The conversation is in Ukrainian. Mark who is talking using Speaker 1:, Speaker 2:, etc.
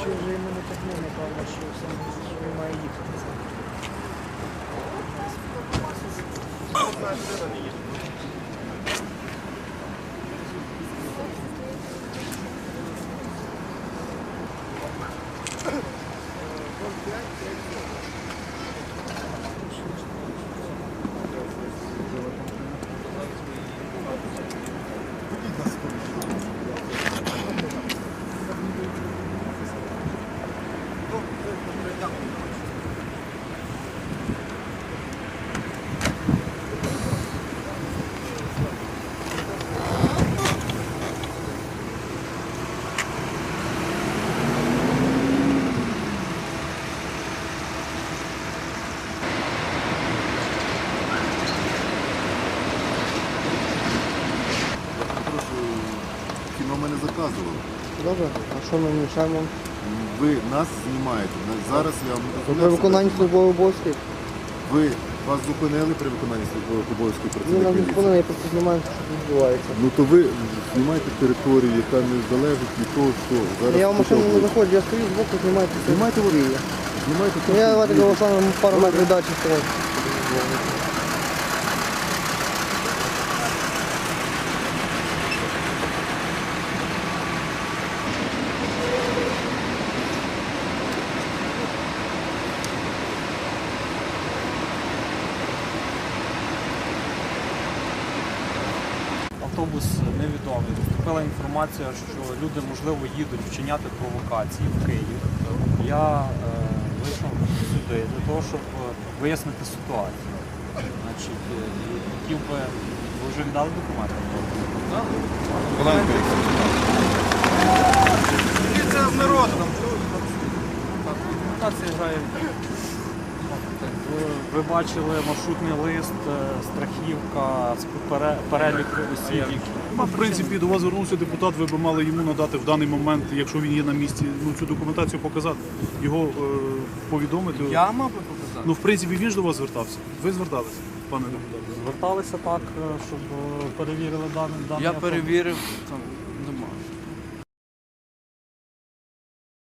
Speaker 1: Чи вже йому не тягне, напевно, що він має їхати.
Speaker 2: Кіно мене заказували.
Speaker 1: Добре, а що ми мішаємо?
Speaker 2: Ви нас знімаєте. Зараз я вам
Speaker 1: При виконанні службових обов'язків?
Speaker 2: Вас зупинили при виконанні службових обов'язків
Speaker 1: Він нас
Speaker 2: працівники
Speaker 1: не
Speaker 2: міліції?
Speaker 1: зупинив, я просто знімаю, що тут відбувається.
Speaker 2: Ну то ви знімаєте територію, яка не залежить від того, що зараз...
Speaker 1: Я в машину не заходжу, я стою збоку, знімайте.
Speaker 2: Знімайте водія. Знімайте те,
Speaker 1: Я
Speaker 2: що
Speaker 1: давайте
Speaker 2: ви-
Speaker 1: голосуємо пару метрів далі стою.
Speaker 3: Автобус невідомий. Поступила інформація, що люди, можливо, їдуть вчиняти провокації в Київ. Я вийшов сюди для того, щоб вияснити ситуацію. Значить, хотів би... Ви вже віддали документи?
Speaker 4: Це з народу.
Speaker 3: Комунікація грає. Ви бачили маршрутний лист, страхівка, перелік осіб, які...
Speaker 4: В принципі, до вас звернувся депутат, ви б мали йому надати в даний момент, якщо він є на місці, цю документацію показати, його повідомити.
Speaker 3: Я мав би показати?
Speaker 4: Ну, в принципі, він ж до вас звертався. Ви зверталися, пане депутат?
Speaker 3: Зверталися так, щоб перевірили дані.
Speaker 5: Я перевірив, там